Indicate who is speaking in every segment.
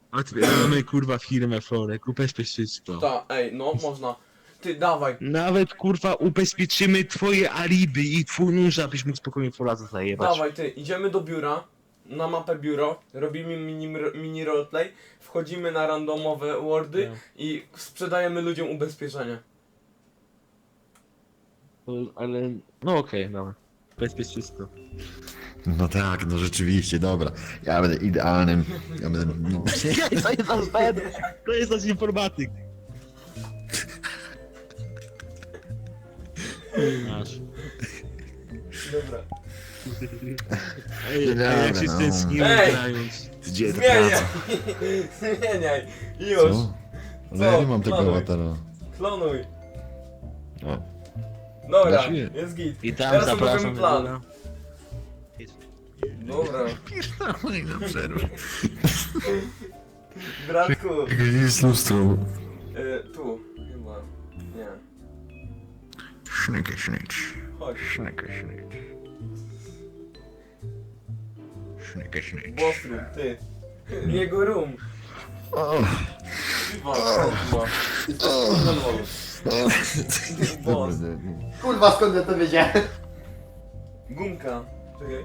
Speaker 1: Otwieramy kurwa firmę Florek, ubezpiecz wszystko.
Speaker 2: Ta, ej, no można. Ty, dawaj.
Speaker 1: Nawet kurwa ubezpieczymy twoje alibi i twój nóż, abyś mógł spokojnie Polaca zajebać.
Speaker 2: Dawaj, ty, idziemy do biura. Na mapę biuro, robimy mini roleplay, wchodzimy na randomowe wordy i sprzedajemy ludziom ubezpieczenie.
Speaker 1: Ale, no okej, dobra. Ubezpiecz wszystko.
Speaker 3: No tak, no rzeczywiście, dobra. Ja będę idealnym. Ja będę. No.
Speaker 1: To jest nasz Ben! To jest nasz informatyk. Masz.
Speaker 2: Dobra.
Speaker 1: Ej,
Speaker 3: Dobra,
Speaker 1: jak się
Speaker 3: no.
Speaker 1: stęskniłem
Speaker 2: Ej!
Speaker 1: grając.
Speaker 3: Gdzie ta
Speaker 2: Zmieniaj!
Speaker 3: praca?
Speaker 2: Zmieniaj! Już!
Speaker 3: Co? Ale ja nie mam tego
Speaker 2: Klonuj.
Speaker 3: awatara.
Speaker 2: Klonuj!
Speaker 3: O.
Speaker 2: Dobra,
Speaker 3: Właśnie.
Speaker 2: jest git.
Speaker 1: I tam
Speaker 2: Teraz
Speaker 1: zapraszam
Speaker 2: robimy
Speaker 1: do
Speaker 2: plan.
Speaker 1: biura.
Speaker 2: Dobra.
Speaker 3: Pierdolę na przerwę.
Speaker 2: Bratku,
Speaker 3: Gdzie jest lustro?
Speaker 2: tu, chyba. Nie.
Speaker 3: Sznykę, sznyć.
Speaker 2: Chodź.
Speaker 3: Sznykę, sznyć. Sznykę, sznyć.
Speaker 2: Bossroom, ty. Jego room.
Speaker 3: O.
Speaker 2: Boss.
Speaker 4: Kurwa, skąd ja to wiedziałem?
Speaker 2: Gumka. Czekaj.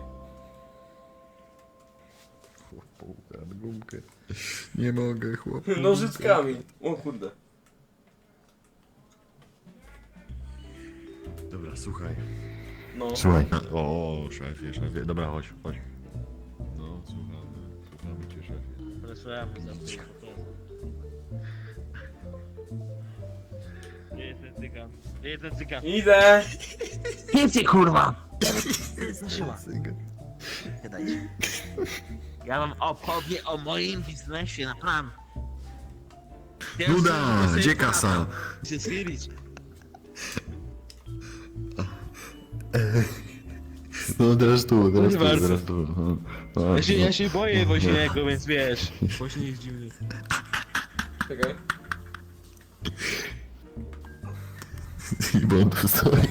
Speaker 3: Chłopu, gumkę. Nie mogę, chłop.
Speaker 2: Nożyczkami. O kurde.
Speaker 3: Dobra, słuchaj.
Speaker 2: No.
Speaker 3: Słuchaj. O, szefie, szefie. Dobra, chodź, chodź. No, słuchamy cię, szefie.
Speaker 1: Wracamy za to. Nie, ten cygan. Nie, ten cygan.
Speaker 2: Idę!
Speaker 1: Więcej kurwa! Zdążyła. Gadajcie. Ja wam opowiem o moim biznesie na plan.
Speaker 3: Nuda, gdzie kasa?
Speaker 1: Się schylić.
Speaker 3: No teraz tu, teraz
Speaker 1: Nie
Speaker 3: tu,
Speaker 1: bardzo.
Speaker 3: teraz tu. No,
Speaker 1: Ja się boję Woźniego, więc wiesz. Woźny jest dziwny.
Speaker 2: Czekaj.
Speaker 3: Bo on tu stoi.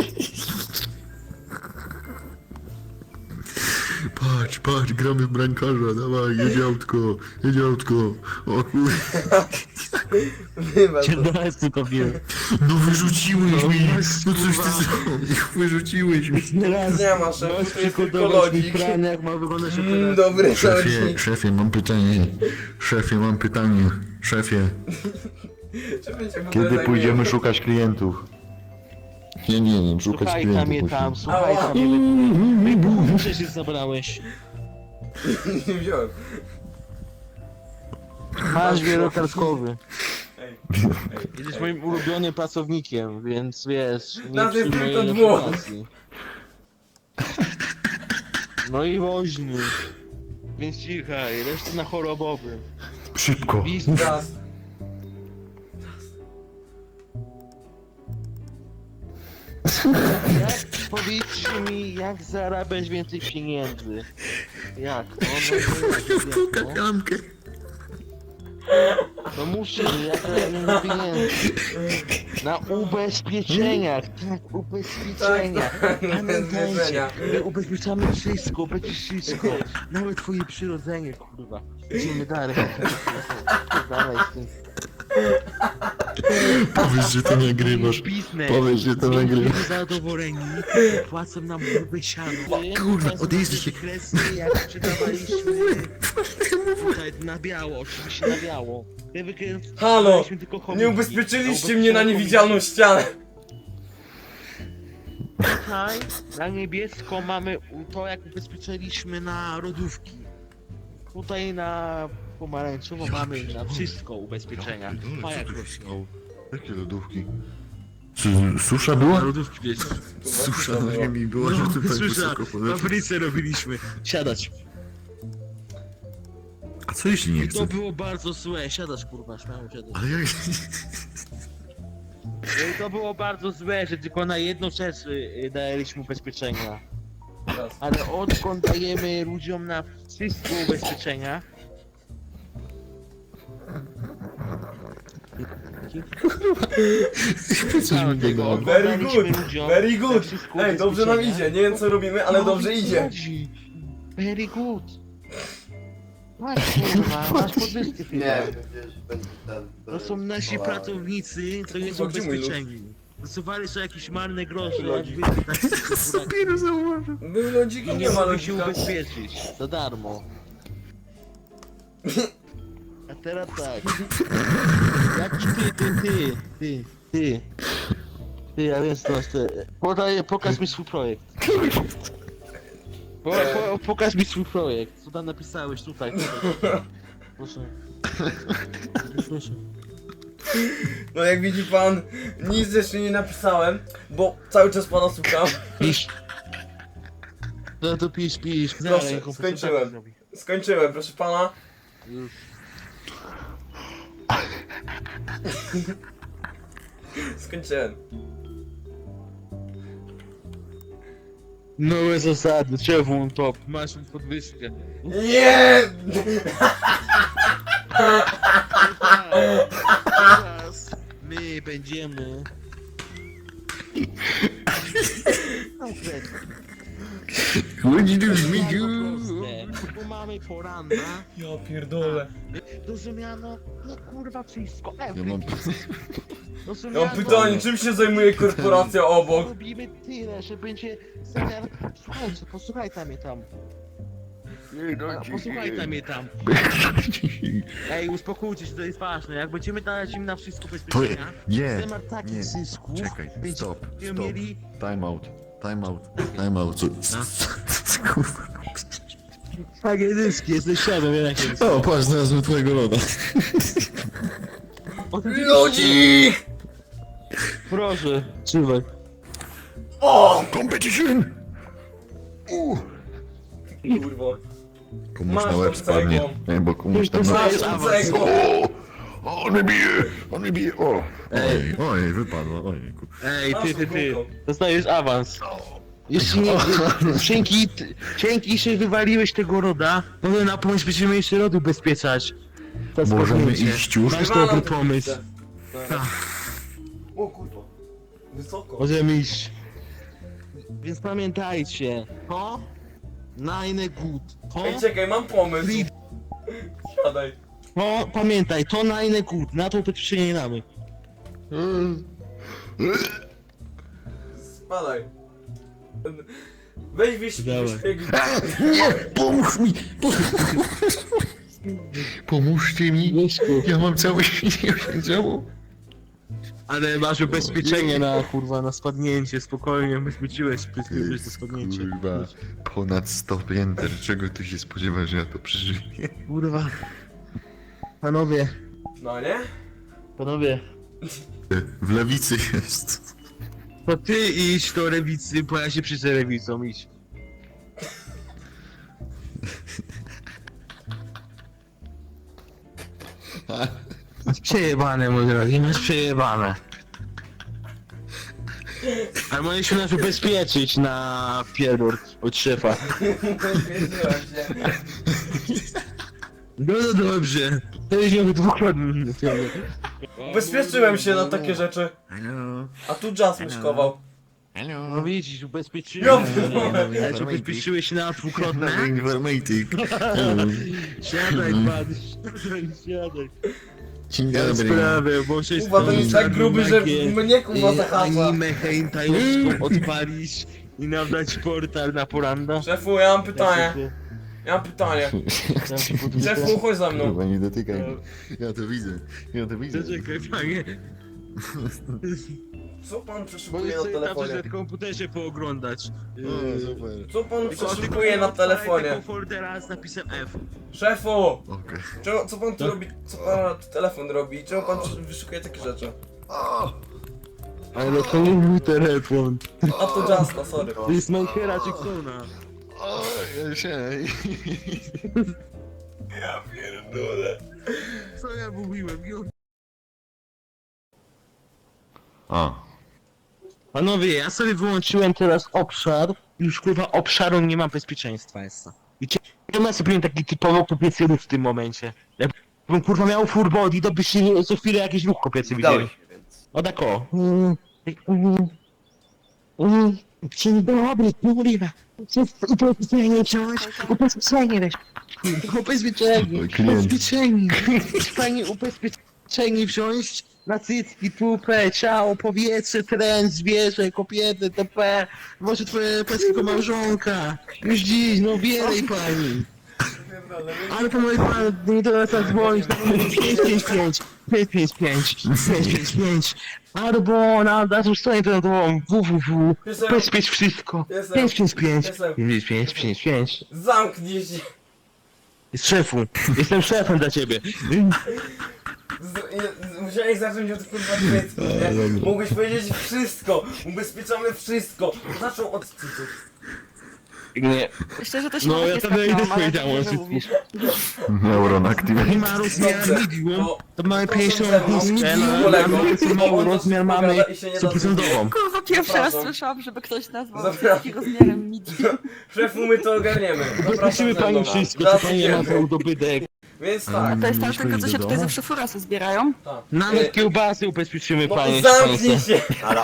Speaker 3: Patrz, patrz, gramy w brankarza, dawaj, jedzie autko, jedzie autko. O kur...
Speaker 2: Wybacz.
Speaker 1: Cię tylko wiem.
Speaker 3: No wyrzuciłeś
Speaker 1: No,
Speaker 3: mi,
Speaker 1: no,
Speaker 3: no coś ty
Speaker 1: kurwa.
Speaker 3: zrobił, wyrzuciłeś mi.
Speaker 1: Raz.
Speaker 2: Nie ma szefu,
Speaker 1: Możesz
Speaker 2: to jest tylko
Speaker 1: przygotować mi
Speaker 2: lodzik.
Speaker 1: plan, jak ma wyglądać
Speaker 2: Dobry
Speaker 3: Szefie,
Speaker 2: lodzik.
Speaker 3: szefie, mam pytanie. Szefie, mam pytanie. Szefie,
Speaker 2: Czy będzie w ogóle
Speaker 3: kiedy
Speaker 2: zajmuje?
Speaker 3: pójdziemy szukać klientów? Nie, szukać
Speaker 1: Słuchaj
Speaker 3: klientów.
Speaker 1: tam je tam,
Speaker 3: musimy.
Speaker 1: słuchaj
Speaker 2: Ała.
Speaker 1: tam je. Muszę się zabrałeś.
Speaker 2: Nie wziąłem.
Speaker 1: Masz wielokartkowy.
Speaker 2: Ej.
Speaker 1: Jesteś moim ulubionym pracownikiem, więc wiesz, nie
Speaker 2: Nas jest
Speaker 1: psuj mojej
Speaker 2: tylko dwóch.
Speaker 1: reputacji. No i woźny. Więc cichaj, reszta na chorobowym.
Speaker 3: Szybko.
Speaker 1: Biznes.
Speaker 2: Raz.
Speaker 1: Jak, powiedzcie mi, jak zarabiać więcej pieniędzy? Jak? No,
Speaker 3: Kakankę.
Speaker 1: no muszę, jak zarabiam pieniędzy. Na ubezpieczeniach, tak, ubezpieczenia.
Speaker 2: Tak,
Speaker 1: Pamiętajcie,
Speaker 2: ubezpieczenia.
Speaker 1: my ubezpieczamy wszystko, będzie wszystko. Nawet twoje przyrodzenie, kurwa. Idziemy dalej. Dalej z tym.
Speaker 3: Powiedz, że to nagrywasz.
Speaker 1: Biznes.
Speaker 3: Powiedz, że to nagrywasz.
Speaker 1: Będziemy zadowoleni, płacą nam grube siano.
Speaker 3: Kurwa, odjeżdżaj się.
Speaker 1: Kresy, jak sprzedawaliśmy tutaj na biało, oczywiście na biało.
Speaker 2: Halo! Nie ubezpieczyliście mnie na niewidzialną ścianę.
Speaker 1: Tutaj na niebiesko mamy to, jak ubezpieczyliśmy na lodówki. Tutaj na pomarańczowo mamy na wszystko ubezpieczenia. A jak
Speaker 3: Jakie lodówki? Susza była?
Speaker 1: lodówki wiesz.
Speaker 3: Susza na ziemi była, że tutaj
Speaker 1: Słyszę,
Speaker 3: wysoko poleciał.
Speaker 1: fabryce robiliśmy. Siadać.
Speaker 3: A co jeśli nie
Speaker 1: To
Speaker 3: chce?
Speaker 1: było bardzo złe. Siadać kurwa, śmiało siadać.
Speaker 3: Ale jak...
Speaker 1: No i to było bardzo złe, że tylko na jedną rzecz daliśmy ubezpieczenia.
Speaker 2: Raz.
Speaker 1: Ale odkąd dajemy ludziom na wszystko ubezpieczenia?
Speaker 3: Coś mi biegło.
Speaker 2: Very good,
Speaker 1: Ludziom
Speaker 2: very
Speaker 1: na
Speaker 2: good.
Speaker 1: wszystko
Speaker 2: Ej, dobrze nam
Speaker 1: ubezpieczenia.
Speaker 2: idzie. Nie wiem co robimy, ale
Speaker 1: No,
Speaker 2: dobrze
Speaker 1: o co
Speaker 2: idzie.
Speaker 1: chodzi? Very good. Masz kurwa, masz podwyżki
Speaker 4: Nie,
Speaker 1: chwilę.
Speaker 4: wiesz, będzie ten...
Speaker 1: To są nasi pracownicy, to jest
Speaker 2: Kurwa, gdzie mój lód?
Speaker 1: ubezpieczeni. Zasuwali sobie jakieś marne grosze, jak
Speaker 2: Lodzik.
Speaker 1: wy tak
Speaker 3: Dopiero zauważył.
Speaker 2: Był lodzik
Speaker 1: i
Speaker 2: i
Speaker 1: nie
Speaker 2: nie ma
Speaker 1: mogę się
Speaker 2: lodzika.
Speaker 1: ubezpieczyć. Za darmo. A teraz tak. Jaki ty, ja wiem co masz ty. Pokaż mi swój projekt. Pokaż mi swój projekt. Co tam napisałeś tutaj. Proszę. Proszę.
Speaker 2: No jak widzi pan, nic jeszcze nie napisałem, bo cały czas pana słucham.
Speaker 1: Pisz. No to pisz.
Speaker 2: Proszę,
Speaker 1: Dalej, komputer
Speaker 2: skończyłem.
Speaker 1: tak zrobi.
Speaker 2: Skończyłem, proszę pana.
Speaker 1: Już.
Speaker 2: Skończyłem.
Speaker 1: Nowe zasady, czerwon top, masz podwyżkę.
Speaker 2: Nie!
Speaker 1: Teraz my będziemy...
Speaker 3: Chodź tu,
Speaker 1: Bardzo
Speaker 3: Zmidziu.
Speaker 1: proste, bo mamy poranna,
Speaker 2: Ja pierdolę.
Speaker 1: rozumiano, no kurwa wszystko,
Speaker 3: Ja mam...
Speaker 2: Ja mam pytanie, czym się zajmuje korporacja obok?
Speaker 1: Robimy tyle, że będzie zamiar... Słuchajcie, posłuchaj mnie tam. Posłuchaj mnie tam. Ej, uspokójcie się, to jest ważne. Jak będziemy dawać im na wszystko
Speaker 3: To
Speaker 1: bezpieczenia,
Speaker 3: nie,
Speaker 1: temat takich
Speaker 3: nie.
Speaker 1: zysków,
Speaker 3: Czekaj, stop,
Speaker 1: będziemy
Speaker 3: stop.
Speaker 1: mieli...
Speaker 3: Time out. Kurwa.
Speaker 1: Takie zyski, jesteś świadom, jak jest.
Speaker 3: O, patrz, znalazłem twojego loda.
Speaker 2: Lodzik!
Speaker 1: Proszę, trzymaj.
Speaker 2: O!
Speaker 3: Competition!
Speaker 2: Kurwa.
Speaker 3: Komuś
Speaker 2: Masz
Speaker 3: na łeb
Speaker 2: tą
Speaker 3: spadnie.
Speaker 2: cegłą.
Speaker 3: Nie, bo komuś tam na...
Speaker 2: Masz
Speaker 1: awans.
Speaker 2: cegło!
Speaker 3: O, on mnie bije, o! Oj, wypadło, ojejku.
Speaker 1: Ej,
Speaker 2: Masz
Speaker 1: ty.
Speaker 2: kółko.
Speaker 1: Dostajesz awans. Jeśli nie... Dzięki, że wywaliłeś tego roda, może na pomysł będziemy jeszcze rodu ubezpieczać. To
Speaker 3: Możemy
Speaker 1: spadnięcie.
Speaker 3: iść już?
Speaker 1: Masz
Speaker 2: Wywalam
Speaker 1: dobry
Speaker 2: tę
Speaker 1: pomysł.
Speaker 2: pizzę.
Speaker 1: Tak.
Speaker 2: O kurwa. Wysoko.
Speaker 1: Możemy iść. Więc pamiętajcie, to Nine Good.
Speaker 2: Ej, czekaj, mam pomysł. Siadaj.
Speaker 1: To pamiętaj, to Nine Good. Na to ubezpieczenie nie damy.
Speaker 2: Spadaj. Weź
Speaker 1: Dawaj.
Speaker 2: wyśpieg.
Speaker 3: Nie, pomóż mi! Pomóżcie mi!
Speaker 1: Mieszku.
Speaker 3: Ja mam całe ciało.
Speaker 1: Ale masz ubezpieczenie na kurwa, na spadnięcie, spokojnie, ubezpieczyłeś na spadnięcie.
Speaker 3: Kurwa, ponad 100 pięter, czego ty się spodziewasz, że ja to przeżyję?
Speaker 1: Kurwa. Panowie,
Speaker 2: No nie?
Speaker 3: W lewicy jest.
Speaker 1: to ty idź do lewicy, bo ja się przyjdę lewicą, idź. Masz przejebane, mój drogi, masz przejebane. Ale mogliśmy nas ubezpieczyć na pierdol od szefa.
Speaker 2: Wiedziałem się.
Speaker 1: No dobrze. To jest miał dwukrotnie.
Speaker 2: Ubezpieczyłem się na takie rzeczy.
Speaker 3: Hello,
Speaker 2: A tu jazz myszkował.
Speaker 1: No
Speaker 3: hello.
Speaker 1: widzisz, ubezpieczyłem
Speaker 2: Ja
Speaker 1: się.
Speaker 2: pierdolę.
Speaker 1: Ja cię ubezpieczyłeś się na dwukrotne.
Speaker 3: Nowy informatyk. Hello.
Speaker 1: Siadaj pan, siadaj.
Speaker 3: Dzień
Speaker 1: Ja
Speaker 3: dobry.
Speaker 1: sprawę, bo się
Speaker 2: Kurwa, to jest tak gruby, że mnie kurwa zahacza.
Speaker 1: Anime hentajowską odpalić i nam dać portal na poranda.
Speaker 2: Szefu, ja mam pytanie. Ja mam pytanie. Szefu, chodź za mną.
Speaker 3: Kurwa, nie dotykaj mnie. Ja to widzę.
Speaker 1: Zaczekaj panie,
Speaker 2: Co pan
Speaker 1: bo
Speaker 2: przeszukuje na
Speaker 1: chcę na
Speaker 2: telefonie?
Speaker 1: przykład komputerze pooglądać.
Speaker 3: O, super.
Speaker 2: Co pan
Speaker 1: Tylko
Speaker 2: przeszukuje na
Speaker 1: odpalaj
Speaker 2: telefonie?
Speaker 1: tego foldera z napisem F.
Speaker 2: Szefu!
Speaker 3: Okej.
Speaker 2: Co pan tu robi? Co pan telefon robi? Czemu pan wyszukuje takie rzeczy?
Speaker 1: Ale to nie mój telefon.
Speaker 2: A to Justa, sorry.
Speaker 1: To jest Michaela Jacksona.
Speaker 3: O, ja się...
Speaker 2: Ja pierdolę.
Speaker 1: Co ja mówiłem?
Speaker 3: A.
Speaker 1: Panowie, ja sobie wyłączyłem teraz obszar. Już kurwa obszaru nie ma bezpieczeństwa jest. I ja sobie taki typowo kopiecy ruch w tym momencie. Jakbym kurwa miał full body, to byście co chwilę jakiś ruch kopiecy widzieli. O tak o. Dzień dobry, kurwa. Ubezpieczenie wziąłeś? Ubezpieczenie weź. Ubezpieczenie.
Speaker 3: Klient.
Speaker 1: Ubezpieczenie. Fajnie ubezpieczenie wziąć na cycki, tupę, ciało, powietrze, tren, zwierzę, kobiety, TP. Może twoje polskiego małżonka. Już dziś, no wierej pani. Ale to moi pani, to nas dzwonić na 555, 555, 555. Albo na tą stronę to www. Ubezpiecz wszystko. 555, 555.
Speaker 2: Zamknij się.
Speaker 1: Szefu, jestem szefem dla ciebie.
Speaker 2: Musiałeś zacząć od kurwa cycków, nie? Mogłeś powiedzieć wszystko. Ubezpieczamy wszystko. Zaczął od cycków.
Speaker 1: Nie.
Speaker 5: Myślę, że to się
Speaker 1: No,
Speaker 5: nawet
Speaker 1: ja
Speaker 5: nie
Speaker 1: tam idę
Speaker 5: sprawdziłam, ale
Speaker 1: powiedziałem,
Speaker 5: dobrze,
Speaker 1: że-
Speaker 5: że mówisz.
Speaker 3: Neuron
Speaker 1: Nie
Speaker 3: Activate.
Speaker 1: ma rozmiar
Speaker 2: Dobrze,
Speaker 1: medium,
Speaker 2: to-
Speaker 1: to mamy
Speaker 2: to
Speaker 1: 50
Speaker 2: ze mną.
Speaker 1: niskę,
Speaker 2: Medium,
Speaker 1: mamy
Speaker 2: on to
Speaker 1: rozmiar mamy
Speaker 2: spowiada i się nie da
Speaker 1: 100%.
Speaker 5: Kurwa, pierwszy raz
Speaker 2: Zapraszam.
Speaker 5: słyszałam, żeby ktoś nazwał
Speaker 2: Zapraszam.
Speaker 5: wszystkich rozmiarem medium.
Speaker 2: Szefu, my to ogarniemy.
Speaker 1: Ubezpieczymy pani wszystko, co pani ma za udobytek.
Speaker 2: Więc tak.
Speaker 5: To jest ta
Speaker 3: Mieliśmy
Speaker 5: tylko,
Speaker 3: iść
Speaker 5: co się
Speaker 3: do
Speaker 5: tutaj
Speaker 3: domu?
Speaker 5: zawsze furasy zbierają.
Speaker 2: tak.
Speaker 1: Nawet kiełbasy ubezpieczymy
Speaker 2: No
Speaker 1: panie.
Speaker 2: zamknij się!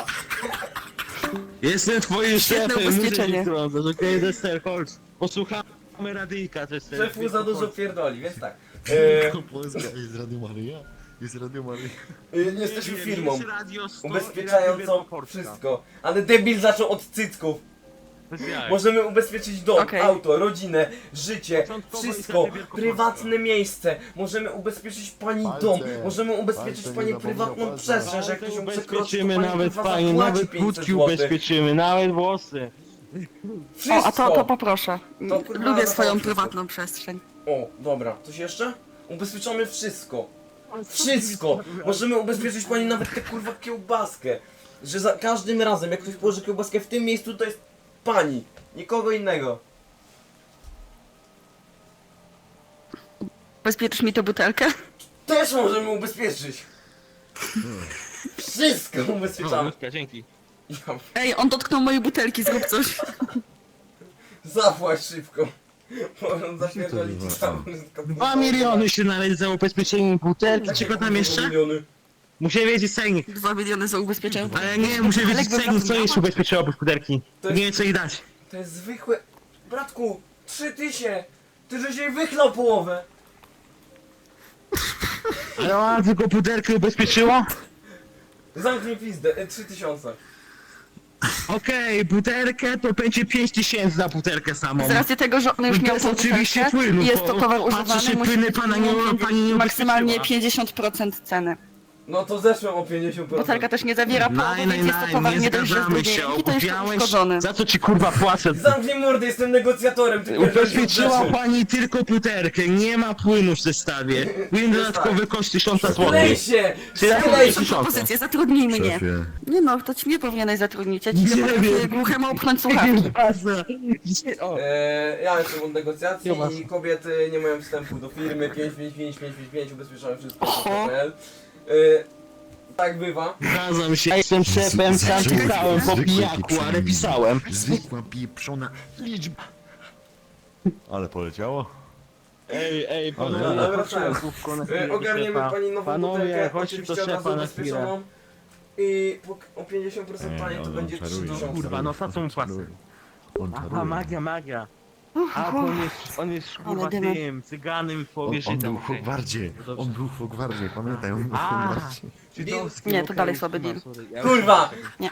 Speaker 1: Jestem twoim
Speaker 5: Świetne
Speaker 1: szefem, muszę
Speaker 5: ubezpieczenie.
Speaker 1: cię wtrącać, okej, Dester, chodź. Posłuchamy radyjka, Dester.
Speaker 2: Szefu za dużo pierdoli, więc tak.
Speaker 3: Polska jest Radio Maryja? Jest Radio Maryja.
Speaker 2: Nie jesteśmy firmą
Speaker 1: Jest Radio 100 i
Speaker 2: ubezpieczającą
Speaker 1: Radio Polska.
Speaker 2: wszystko. Ale debil zaczął od cycków.
Speaker 1: Bez jaj.
Speaker 2: Możemy ubezpieczyć dom,
Speaker 5: Okej.
Speaker 2: auto, rodzinę, życie,
Speaker 1: Początkowo
Speaker 2: wszystko,
Speaker 1: i tak
Speaker 2: prywatne miejsce. Możemy ubezpieczyć pani
Speaker 3: Palce.
Speaker 2: dom, możemy ubezpieczyć
Speaker 3: Palce,
Speaker 2: pani
Speaker 3: nie zapomnij o
Speaker 2: prywatną
Speaker 3: palcach.
Speaker 2: przestrzeń, że jak ktoś ją przekroczy, to
Speaker 1: Ubezpieczymy
Speaker 2: pani
Speaker 1: nawet
Speaker 2: kurwa
Speaker 1: pani,
Speaker 2: zapłaci
Speaker 1: nawet
Speaker 2: 500
Speaker 1: budki
Speaker 2: złotych.
Speaker 1: ubezpieczymy, nawet włosy.
Speaker 2: Wszystko!
Speaker 5: O, a to poproszę.
Speaker 2: To kurwa
Speaker 5: Lubię
Speaker 2: na
Speaker 5: swoją
Speaker 2: wszystko.
Speaker 5: prywatną przestrzeń.
Speaker 2: O, dobra, coś jeszcze? Ubezpieczamy wszystko. Wszystko! Możemy ubezpieczyć pani nawet tę kurwa kiełbaskę. Że za każdym razem, jak ktoś położy kiełbaskę w tym miejscu, to jest pani. Nikogo innego.
Speaker 5: Bezpieczysz mi tę butelkę?
Speaker 2: Też możemy ubezpieczyć. Wszystko
Speaker 1: O,
Speaker 2: ubezpieczamy.
Speaker 1: Ludzka, dzięki.
Speaker 2: Ja,
Speaker 5: Ej, on dotknął mojej butelki, zrób coś.
Speaker 2: zapłać szybko. Bo on zapierdoli ci
Speaker 3: Co to
Speaker 2: całą
Speaker 1: 2 miliony się należy za ubezpieczenie butelki, czego tam jeszcze?
Speaker 2: Miliony.
Speaker 1: Muszę wiedzieć cennik.
Speaker 5: 2 miliony za ubezpieczenie.
Speaker 1: Ale nie, muszę wiedzieć
Speaker 5: jakby
Speaker 1: cennik, co
Speaker 5: zapomniała.
Speaker 1: jeszcze ubezpieczyło butelki.
Speaker 2: To jest-
Speaker 1: Nie wiem co jej dać.
Speaker 2: To jest zwykłe... Bratku, 3000! Ty żeś jej wychlał połowę!
Speaker 1: Ale ona tylko butelkę ubezpieczyło?
Speaker 2: Zamknij pizdę, 3000.
Speaker 1: Okej, butelkę to będzie 5000 za butelkę samą.
Speaker 5: Z racji tego, że on już
Speaker 1: To
Speaker 5: miał
Speaker 1: jest
Speaker 5: tą
Speaker 1: oczywiście
Speaker 5: butelkę
Speaker 1: płyn,
Speaker 5: i jest
Speaker 1: bo
Speaker 5: to towar
Speaker 1: patrzy
Speaker 5: używany,
Speaker 1: się
Speaker 5: musi
Speaker 1: płyny,
Speaker 5: być
Speaker 1: pani nie
Speaker 5: maksymalnie
Speaker 1: ubezpieczyła.
Speaker 5: 50% ceny.
Speaker 2: No to zeszłem o 50%.
Speaker 5: Butelka też nie zawiera połowy, więc jest to towar nie dość, że z
Speaker 1: zgadzamy
Speaker 5: drugiej
Speaker 1: się,
Speaker 5: ręki, to jeszcze
Speaker 1: okupiałeś,
Speaker 5: uszkodzony.
Speaker 1: za co ci kurwa płacę?
Speaker 2: Zamknij mordę, jestem negocjatorem, ty
Speaker 1: Ubezpieczyła
Speaker 2: pierdolisz
Speaker 1: pani tylko butelkę, nie ma płynu w zestawie. Płyn dodatkowy koszt 1000 zł.
Speaker 2: Sklej się!
Speaker 1: Czy ja
Speaker 2: Sklej
Speaker 1: powiem
Speaker 2: się!
Speaker 1: ci-
Speaker 5: Propozycję, zatrudnij mnie.
Speaker 3: Szefie.
Speaker 5: Nie no, to ci mnie powinieneś zatrudnić, ja ci
Speaker 1: Nie
Speaker 5: nie potrafię
Speaker 1: wiem.
Speaker 5: głuchemu upchnąć słuchawki.
Speaker 1: O,
Speaker 2: Ja jestem od negocjacji
Speaker 1: Kiełbasa.
Speaker 2: i kobiety nie mają wstępu do firmy 555 ubezpieczamy wszystko.
Speaker 5: Oho.
Speaker 2: Tak bywa.
Speaker 1: Zgadzam się, jestem szefem, sam
Speaker 3: Zwykły-
Speaker 1: pisałem po
Speaker 3: zwykły
Speaker 1: pijaku,
Speaker 3: pieprzony.
Speaker 1: ale pisałem.
Speaker 3: Zwykła pieprzona liczba. Ale poleciało?
Speaker 1: Ej,
Speaker 3: Ale-
Speaker 1: panowie,
Speaker 2: Dobra,
Speaker 1: chodźcie
Speaker 2: tak.
Speaker 1: na słówko na
Speaker 2: Ogarniemy
Speaker 1: szefa.
Speaker 2: pani nową
Speaker 1: Panowie,
Speaker 2: butelkę,
Speaker 1: chodźcie do
Speaker 2: oczywiście od razu
Speaker 1: szefa na chwilę.
Speaker 2: ubezpieczoną. I o 50% taniej to
Speaker 3: on
Speaker 2: będzie
Speaker 3: czaruje,
Speaker 2: 3000.
Speaker 1: Kurwa, no za co mu płacę?
Speaker 3: On
Speaker 1: Aha,
Speaker 3: czaruje.
Speaker 1: magia. A, bo on jest kurwa
Speaker 5: dymy.
Speaker 1: tym, cyganem w
Speaker 3: On
Speaker 1: powierzchni
Speaker 3: był
Speaker 1: tam.
Speaker 3: w Hogwardzie.
Speaker 1: Dobrze.
Speaker 3: On był w Hogwardzie, pamiętaj, on był w
Speaker 1: A.
Speaker 3: Hogwardzie.
Speaker 1: Żydowski,
Speaker 5: Nie, to
Speaker 1: okej,
Speaker 5: dalej
Speaker 1: już
Speaker 5: słaby
Speaker 1: mam,
Speaker 5: deal.
Speaker 1: sorry. Ja
Speaker 2: Kurwa!
Speaker 5: Nie.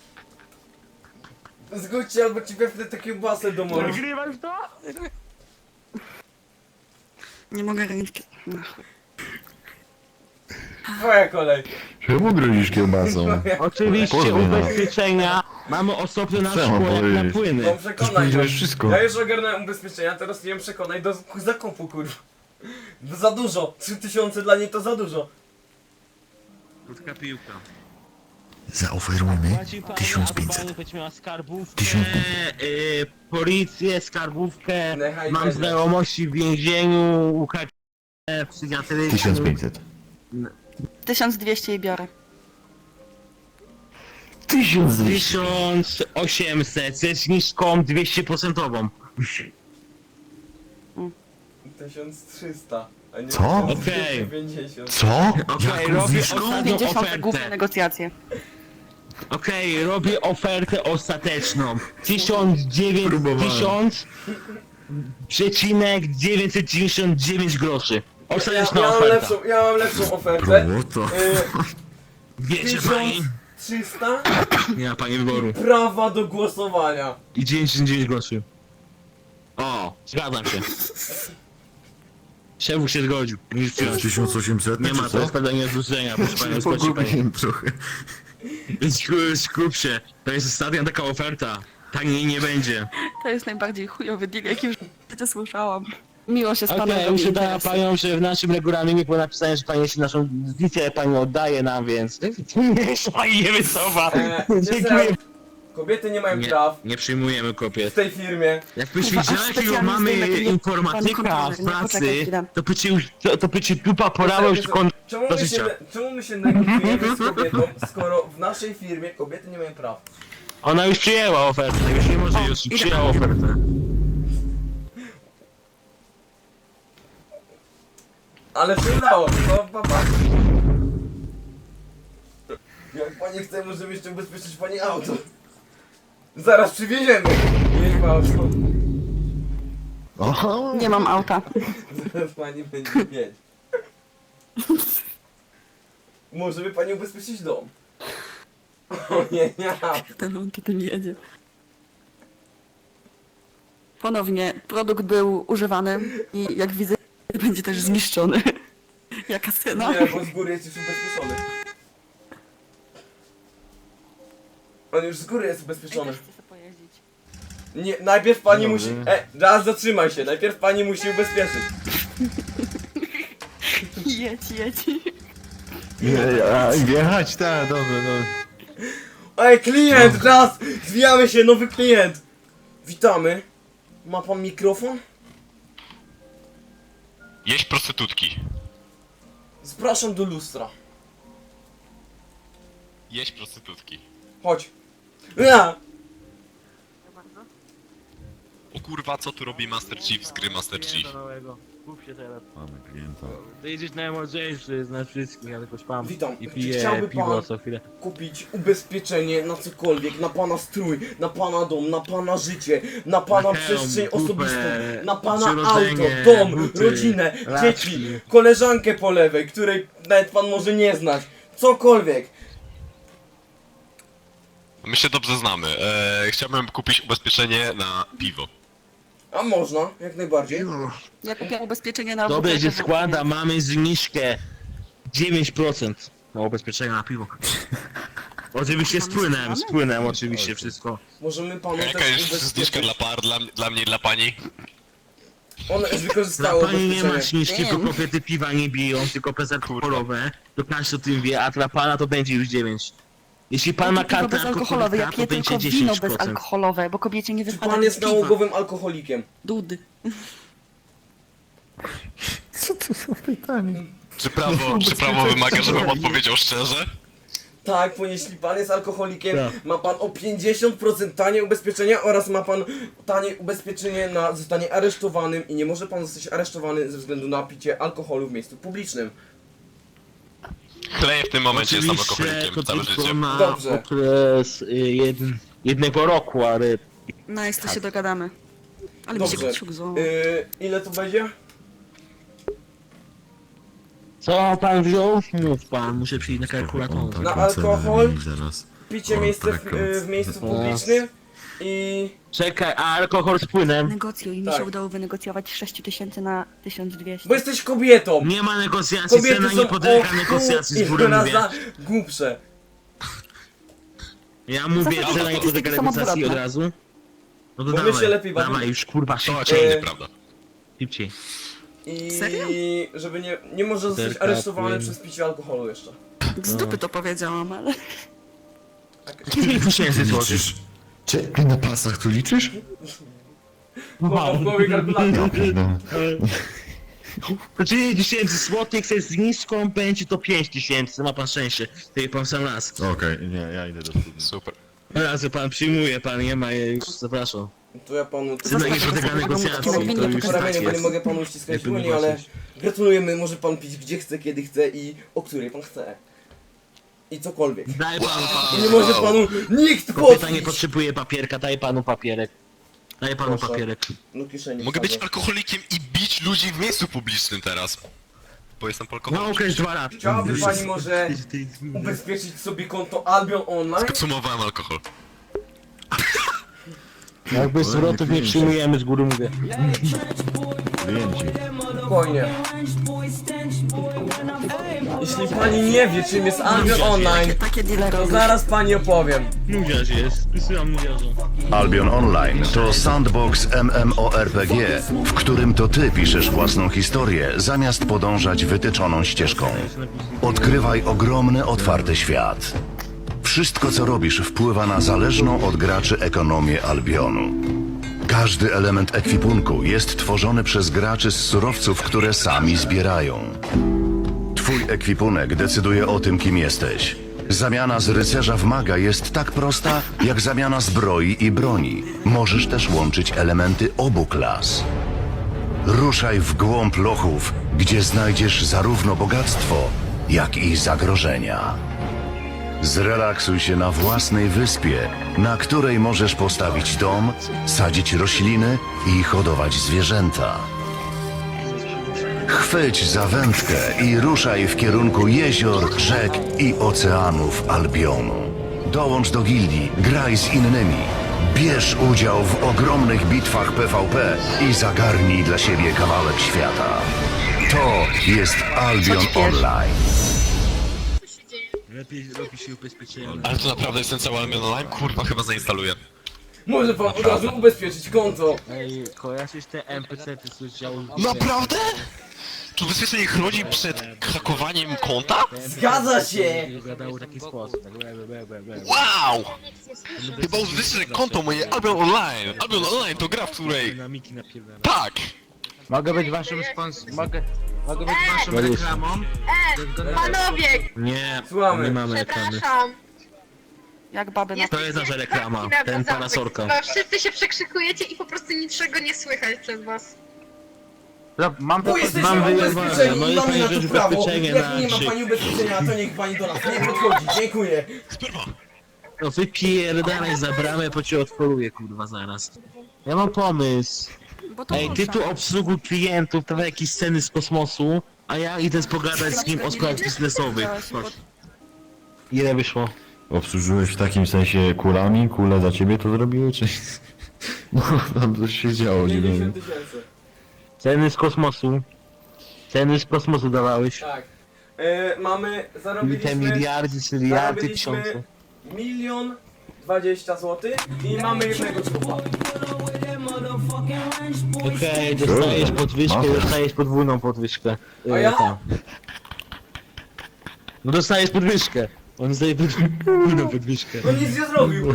Speaker 2: Zgódźcie albo ci wepnę tę kiełbasę do moru.
Speaker 1: Nagrywasz to?
Speaker 5: Nie mogę ręki. No.
Speaker 2: Twoja kolej.
Speaker 3: Czemu grozisz kiełbasą?
Speaker 1: Oczywiście
Speaker 3: Pozwól, no.
Speaker 1: ubezpieczenia mamy osobno na
Speaker 3: Co mam
Speaker 1: szkło jak na
Speaker 3: powiedzieć?
Speaker 1: płyny.
Speaker 2: No
Speaker 3: Już
Speaker 2: przekonaj.
Speaker 3: powiedziałeś wszystko.
Speaker 2: Ja już ogarnąłem ubezpieczenia, teraz nie wiem przekonaj do zakupu, kurwa. Za dużo. 3000 dla niej to za dużo.
Speaker 1: Krótka piłka.
Speaker 3: Zaoferujmy
Speaker 1: Płaci pani,
Speaker 3: 1500.
Speaker 1: albo pani będzie miała skarbówkę,
Speaker 3: 1500.
Speaker 1: policję, skarbówkę,
Speaker 2: Niechaj
Speaker 1: mam
Speaker 2: będzie.
Speaker 1: znajomości w więzieniu, UKC, psychiatrycznym.
Speaker 3: 1500.
Speaker 5: 1200 i biorę.
Speaker 3: 1200.
Speaker 1: 1800 ze zniżką 200%.
Speaker 2: 1300. A nie
Speaker 3: Co?
Speaker 2: 1250.
Speaker 3: Co?
Speaker 1: Okej,
Speaker 3: Jaką
Speaker 1: robię
Speaker 3: zniżką?
Speaker 1: ostatnią
Speaker 5: 50 główne
Speaker 1: ofertę.
Speaker 5: negocjacje.
Speaker 1: Okej, robię ofertę ostateczną. 100999 groszy. Ostateczna oferta.
Speaker 2: Ja mam lepszą ofertę.
Speaker 3: Błoto.
Speaker 1: Wiecie pani?
Speaker 2: 1300
Speaker 1: Nie ma pani wyboru.
Speaker 2: prawa do głosowania.
Speaker 1: I 99 groszy. O, zgadzam się. Szef się zgodził. Musisz przyjąć.
Speaker 3: 1800?
Speaker 1: Nie ma to jest pewnie zrzucenia, proszę pani, spłaci pani.
Speaker 3: Pogubiłem trochę.
Speaker 1: Skup się, to jest ostatnia taka oferta. Taniej nie będzie.
Speaker 5: To jest najbardziej chujowy deal, jaki już życie słyszałam. Miło się z panem
Speaker 1: Okej,
Speaker 5: robi
Speaker 1: uświadamia
Speaker 5: interesy.
Speaker 1: panią, że w naszym regulaminie było napisane, że pani jeszcze naszą wizję pani oddaje nam, więc... Nie, że pani nie wycofa. Dziękuję.
Speaker 2: Kobiety nie mają
Speaker 1: Nie,
Speaker 2: praw
Speaker 1: nie przyjmujemy
Speaker 2: w
Speaker 1: kobiet.
Speaker 2: tej firmie.
Speaker 1: Jakbyś
Speaker 5: Kurwa,
Speaker 1: wiedziała,
Speaker 5: aż
Speaker 1: jakiego
Speaker 5: specjalnie
Speaker 1: mamy
Speaker 5: zdejmę ten
Speaker 1: informatyka
Speaker 5: pan
Speaker 1: w
Speaker 5: kontroler, nie? Poczekaj
Speaker 1: pracy,
Speaker 5: chwilę.
Speaker 1: to by ci dupa porała już do życia.
Speaker 2: Czemu my się negocjujemy z kobietą, skoro w naszej firmie kobiety nie mają praw?
Speaker 1: Ona już przyjęła ofertę, już nie może, już
Speaker 5: idę.
Speaker 1: przyjęła ofertę.
Speaker 2: Ale się udało, to papa. Jak pani chce, możemy jeszcze ubezpieczyć pani auto. Zaraz przywieziemy. Jedź auto.
Speaker 3: Aha!
Speaker 5: Nie mam auta.
Speaker 2: Zaraz pani będzie mieć. Możemy pani ubezpieczyć dom. O nie, nie.
Speaker 5: On tutaj jedzie. Ponownie, produkt był używany i jak widzę, będzie też zniszczony. Jaka cena?
Speaker 2: Nie, bo z góry jest już ubezpieczony. On już z góry jest ubezpieczony. Nie, najpierw pani musi... raz zatrzymaj się, najpierw pani musi ubezpieczyć.
Speaker 5: Jedź.
Speaker 3: Jechać, tak, dobra, dobra.
Speaker 2: Ej, klient, raz! Zwijamy się, nowy klient! Witamy. Ma pan mikrofon?
Speaker 6: Jeść prostytutki.
Speaker 2: Zapraszam do lustra.
Speaker 6: Jeść prostytutki.
Speaker 2: Chodź. Ja!
Speaker 6: O kurwa, co tu robi Master Chief z gry Master Chief?
Speaker 1: Kup się teraz.
Speaker 3: Mamy klienta.
Speaker 1: Ty jedziesz najmądrzejszy z nas wszystkich, ja tylko śpam.
Speaker 2: Witam.
Speaker 1: I
Speaker 2: Czy
Speaker 1: piję
Speaker 2: chciałby
Speaker 1: piwo
Speaker 2: pan
Speaker 1: co chwilę.
Speaker 2: kupić ubezpieczenie na cokolwiek, na pana strój, na pana dom, na pana życie, na pana
Speaker 1: Na hełm,
Speaker 2: przestrzeń
Speaker 1: kupę,
Speaker 2: osobistą, na pana auto,
Speaker 1: przyrodzenie,
Speaker 2: dom,
Speaker 1: buty,
Speaker 2: rodzinę,
Speaker 1: laczki.
Speaker 2: dzieci, koleżankę po lewej, której nawet pan może nie znać. Cokolwiek.
Speaker 6: My się dobrze znamy. Chciałbym kupić ubezpieczenie na piwo.
Speaker 2: A można, jak najbardziej.
Speaker 5: Ja kupiłam ubezpieczenie na
Speaker 1: Dobrze
Speaker 5: butelkę
Speaker 1: się składa, mamy zniżkę 9% na ubezpieczenia na piwo. Oczywiście z płynem oczywiście wszystko.
Speaker 2: Możemy panu
Speaker 6: Jaka
Speaker 2: też
Speaker 6: jest zniżka
Speaker 2: ubezpieczyć.
Speaker 6: dla par, dla mnie i dla pani?
Speaker 2: One już
Speaker 1: Dla
Speaker 2: wykorzystało
Speaker 1: pani nie ma
Speaker 2: ubezpieczenie.
Speaker 1: zniżki, bo kobiety piwa nie biją, tylko bezalkoholowe. To każdy o tym wie, a dla pana to będzie już 9. Jeśli pan ma
Speaker 5: Piwo
Speaker 1: kartę
Speaker 5: bezalkoholowe, ja
Speaker 1: alkoholika, to
Speaker 5: piję
Speaker 1: będzie
Speaker 5: tylko wino
Speaker 1: 10%.
Speaker 5: bezalkoholowe, bo kobiecie nie
Speaker 2: Czy
Speaker 5: wypada
Speaker 2: pan jest
Speaker 5: piwa.
Speaker 2: nałogowym alkoholikiem?
Speaker 5: Dudy.
Speaker 6: Czy prawo wymaga, żebym odpowiedział szczerze?
Speaker 2: Tak, bo jeśli pan jest alkoholikiem,
Speaker 1: Tak.
Speaker 2: ma pan o 50% tanie ubezpieczenia oraz ma pan tanie ubezpieczenie na zostanie aresztowanym i nie może pan zostać aresztowany ze względu na picie alkoholu w miejscu publicznym.
Speaker 6: Chleję w tym momencie, jestem
Speaker 1: Oczywiście
Speaker 6: alkoholikiem
Speaker 1: to
Speaker 6: całe
Speaker 1: tylko
Speaker 6: życie.
Speaker 1: na
Speaker 2: Dobrze.
Speaker 1: okres jednego roku, ale...
Speaker 5: No jest, to się dogadamy. Ale mi się
Speaker 2: Dobrze.
Speaker 5: kciuk złamał.
Speaker 2: Ile to będzie?
Speaker 1: Co pan wziął? Mów pan, muszę przyjść na kalkulator.
Speaker 2: Na alkohol?
Speaker 3: Zaraz.
Speaker 2: Picie
Speaker 3: O,
Speaker 2: miejsce
Speaker 3: tak,
Speaker 2: w miejscu publicznym i...
Speaker 1: Czekaj, a alkohol z płynem?
Speaker 5: Negocjuj, mi
Speaker 2: Tak.
Speaker 5: się udało wynegocjować 6000 na 1200.
Speaker 2: Bo jesteś kobietą!
Speaker 1: Nie ma negocjacji,
Speaker 2: Kobiety
Speaker 1: cena
Speaker 2: są
Speaker 1: nie podlega negocjacji z góry mówię.
Speaker 2: raza głupsze.
Speaker 1: Ja mówię,
Speaker 5: Zawsze
Speaker 1: cena nie
Speaker 5: statystyki
Speaker 1: podlega
Speaker 5: są
Speaker 1: negocjacji od
Speaker 5: odwrotne.
Speaker 1: razu. No to
Speaker 2: Bo my
Speaker 1: dawaj,
Speaker 2: się lepiej bawimy.
Speaker 1: dawaj już kurwa
Speaker 6: To
Speaker 1: szybciej,
Speaker 6: oczywiście
Speaker 2: E,
Speaker 6: nieprawda.
Speaker 1: szybciej.
Speaker 2: I
Speaker 5: Serio?
Speaker 2: żeby nie może zostać
Speaker 1: Terka,
Speaker 2: aresztowany
Speaker 1: płyn.
Speaker 2: przez picie alkoholu jeszcze.
Speaker 5: Z dupy to powiedziałam, ale...
Speaker 1: 1000 złotych.
Speaker 3: Liczysz? Czekaj, na pasach tu liczysz?
Speaker 2: Mam w głowie kalkulator.
Speaker 3: No.
Speaker 1: To 10 złotych ze zniżką będzie to 5000, ma pan szczęście. Tutaj pan sam raz.
Speaker 3: Okej, nie, ja idę do studni.
Speaker 6: Super.
Speaker 1: Razy pan przyjmuje, pan nie ma, już zapraszam.
Speaker 2: To ja panu...
Speaker 1: Cena nie podlega negocjacji, to już
Speaker 2: Po
Speaker 1: tak
Speaker 2: ramieniu, bo nie
Speaker 1: jest.
Speaker 2: mogę panu uściskać
Speaker 1: Jakby
Speaker 2: dłoni,
Speaker 1: nie
Speaker 2: ale
Speaker 1: patrzeć.
Speaker 2: gratulujemy, może pan pić gdzie chce, kiedy chce i o której pan chce. i cokolwiek.
Speaker 1: Daj panu
Speaker 2: I nie
Speaker 1: papierek.
Speaker 2: może panu nikt
Speaker 1: Kobieta nie
Speaker 2: podbić!
Speaker 1: potrzebuje papierka, daj panu papierek. Daj panu
Speaker 2: Proszę.
Speaker 1: papierek.
Speaker 2: No kieszeni
Speaker 6: Mogę być
Speaker 2: wsadzę.
Speaker 6: alkoholikiem i bić ludzi w miejscu publicznym teraz. Bo jestem
Speaker 1: No
Speaker 6: alkoholikiem.
Speaker 1: okres 2 lata.
Speaker 2: Chciałaby pani może ubezpieczyć sobie konto Albion Online?
Speaker 6: Skonsumowałem alkohol.
Speaker 1: Jakby zwrotów nie przyjmujemy, z góry mówię.
Speaker 3: Klienci.
Speaker 2: Spokojnie. Jeśli pani nie wie czym jest Albion Online,
Speaker 5: Takie dealery.
Speaker 2: to zaraz pani opowiem.
Speaker 1: Nudziarz jest, wysyłam nudziarza.
Speaker 7: Albion Online to sandbox MMORPG, w którym to ty piszesz własną historię, zamiast podążać wytyczoną ścieżką. Odkrywaj ogromny, otwarty świat. Wszystko, co robisz, wpływa na zależną od graczy ekonomię Albionu. Każdy element ekwipunku jest tworzony przez graczy z surowców, które sami zbierają. Twój ekwipunek decyduje o tym, kim jesteś. Zamiana z rycerza w maga jest tak prosta, jak zamiana zbroi i broni. Możesz też łączyć elementy obu klas. Ruszaj w głąb lochów, gdzie znajdziesz zarówno bogactwo, jak i zagrożenia. Zrelaksuj się na własnej wyspie, na której możesz postawić dom, sadzić rośliny i hodować zwierzęta. Chwyć za wędkę i ruszaj w kierunku jezior, rzek i oceanów Albionu. Dołącz do gildii, graj z innymi. Bierz udział w ogromnych bitwach PvP i zagarnij dla siebie kawałek świata. To jest Albion Online.
Speaker 1: Lepiej robi się ubezpieczenie.
Speaker 6: Ale to naprawdę jest ten cały Albion Online? Kurwa, chyba zainstaluję.
Speaker 2: Może pan od razu ubezpieczyć konto.
Speaker 1: Ej, kojarzysz te NPC-ty z działu?
Speaker 6: Naprawdę? Czy ubezpieczenie chroni przed hakowaniem konta?
Speaker 2: Zgadza się!
Speaker 1: Gadało w taki sposób. Tak,
Speaker 6: Wow! Chyba ubezpieczę konto moje Albion Online. Albion Online to gra, w której...
Speaker 1: dynamiki napierdala.
Speaker 6: Tak!
Speaker 1: Mogę być waszym mogę być waszą reklamą?
Speaker 8: Panowie,
Speaker 1: Nie,
Speaker 2: Słuchamy.
Speaker 1: nie mamy reklamy.
Speaker 8: przepraszam.
Speaker 5: Jak baby na...
Speaker 1: To jest nasza reklama, ten parasolka.
Speaker 8: Bo wszyscy się przekrzykujecie i po prostu niczego nie słychać przez was.
Speaker 1: Mam
Speaker 2: Bo jesteśmy
Speaker 1: mam wyjebane,
Speaker 2: ubezpieczeni
Speaker 1: no
Speaker 2: i
Speaker 1: i
Speaker 2: mamy
Speaker 1: pani
Speaker 2: na to
Speaker 1: rzecz
Speaker 2: prawo.
Speaker 1: ubezpieczenie
Speaker 2: Jak
Speaker 1: na
Speaker 2: nie ma
Speaker 1: krzyk.
Speaker 2: pani ubezpieczenia, to niech pani do nas nie podchodzi. Dziękuję.
Speaker 6: Sperma!
Speaker 1: No wypierdalaj za bramę, bo cię otworuję, kurwa, zaraz. Ja mam pomysł.
Speaker 5: Bo to
Speaker 1: Ej, ty tu obsługuj klientów, to jakieś sceny z kosmosu, a ja idę pogadać z nim o sprawach biznesowych. Chodź. Ile wyszło?
Speaker 3: Obsłużyłeś w takim sensie kulami? Kule za ciebie to zrobiły, czy... No, tam coś się działo, nie
Speaker 2: 50
Speaker 3: wiem.
Speaker 2: 000.
Speaker 1: Ceny z kosmosu. Ceny z kosmosu dawałeś.
Speaker 2: Tak. Mamy,
Speaker 1: I te
Speaker 2: zarobiliśmy...
Speaker 1: miliardy, tysiące.
Speaker 2: 1 020 000 i mamy jednego człowieka.
Speaker 1: Okej, dostajesz podwyżkę,
Speaker 3: Masz.
Speaker 1: dostajesz podwójną podwyżkę.
Speaker 2: A ja?
Speaker 1: Tam. No dostajesz podwyżkę. On zdaje podwójną podwyżkę.
Speaker 2: No nic nie zrobił.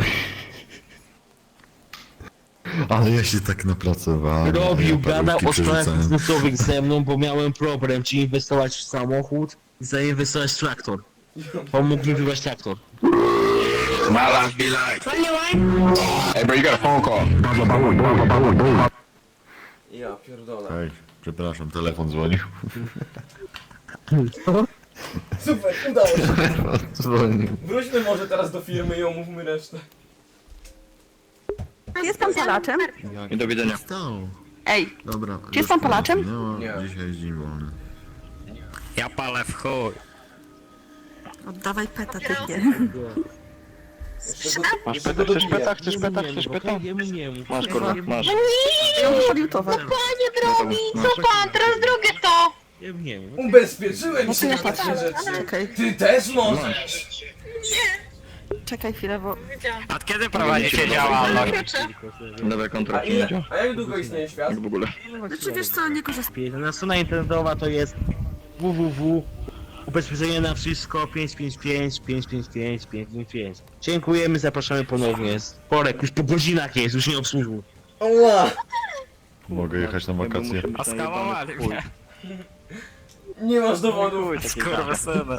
Speaker 3: Ale ja się tak napracowałem.
Speaker 1: Robił,
Speaker 3: ja
Speaker 1: gadał
Speaker 3: parówki
Speaker 1: o sprawach
Speaker 3: przerzucałem.
Speaker 1: biznesowych ze mną, bo miałem problem, czy inwestować w samochód, i zainwestować w traktor. Pomógł mi wybrać traktor.
Speaker 2: Ja pierdolę.
Speaker 3: Ej, przepraszam, telefon dzwonił.
Speaker 2: Super, udało się.
Speaker 3: Dzwonił.
Speaker 2: Wróćmy może teraz do firmy i omówmy resztę.
Speaker 5: Jest pan palaczem?
Speaker 3: Stał.
Speaker 5: Ej,
Speaker 3: Dobra.
Speaker 5: Czy jest pan Polaczem?
Speaker 3: No,
Speaker 2: Nie.
Speaker 3: dzisiaj jest dzień wolny.
Speaker 6: Ja palę w chuj.
Speaker 5: oddawaj peta, typie.
Speaker 2: Masz peta, chcesz peta?
Speaker 1: Chcesz peta? Chcesz peta? Nie mów.
Speaker 5: Masz, kurwa, masz. Ja już podjął towar.
Speaker 8: Panie drogi, co pan, teraz drugie to!
Speaker 1: Nie mów.
Speaker 2: Ubezpieczyłem
Speaker 5: No
Speaker 2: się
Speaker 5: to ja
Speaker 2: na takie
Speaker 5: patrzę.
Speaker 2: rzeczy.
Speaker 5: Czekaj,
Speaker 2: Ty też możesz.
Speaker 5: czekaj chwilę, bo...
Speaker 6: Od kiedy prowadzicie działalność?
Speaker 2: A jak długo istnieje świat?
Speaker 5: Znaczy wiesz co, nie korzystam.
Speaker 1: Na strona internetowa to jest www. Ubezpieczenie na wszystko 555 555 555. Dziękujemy, zapraszamy ponownie. Porek, już po godzinach jest, już nie obsłużył.
Speaker 2: Oła!
Speaker 3: Mogę jechać na wakacje?
Speaker 6: A skałowali mnie.
Speaker 2: Nie masz dowodu.
Speaker 6: Skurwysyny.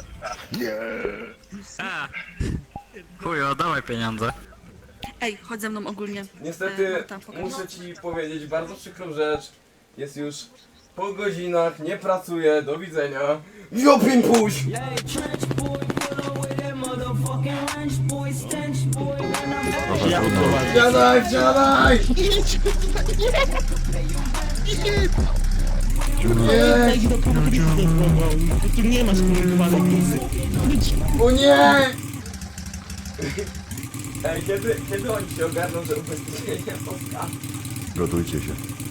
Speaker 6: Chuj, oddawaj pieniądze.
Speaker 5: Ej, chodź ze mną ogólnie.
Speaker 2: Niestety
Speaker 5: Tam pokażę.
Speaker 2: muszę ci powiedzieć bardzo przykrą rzecz. Jest już po godzinach, nie pracuję, do widzenia. Jopin puś!
Speaker 1: Ja odprowadzę.
Speaker 2: Wsiadaj, wsiadaj! Nie!
Speaker 1: Idź do punktu, tu nie ma skomunikowanej wizy.
Speaker 2: O nie! Ej, kiedy oni się ogarną, że ubezpieczenia powstaną?
Speaker 3: Gotujcie się.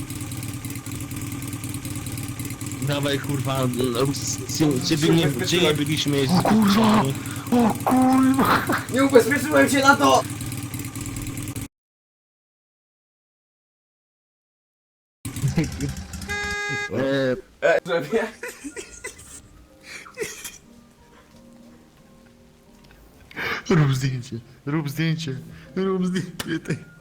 Speaker 1: Dawaj kurwa, gdzie nie byliśmy jest kurwa!
Speaker 2: Nie ubezpieczyłem się na to! Żeby...
Speaker 3: Rób zdjęcie, rób zdjęcie, rób zdjęcie.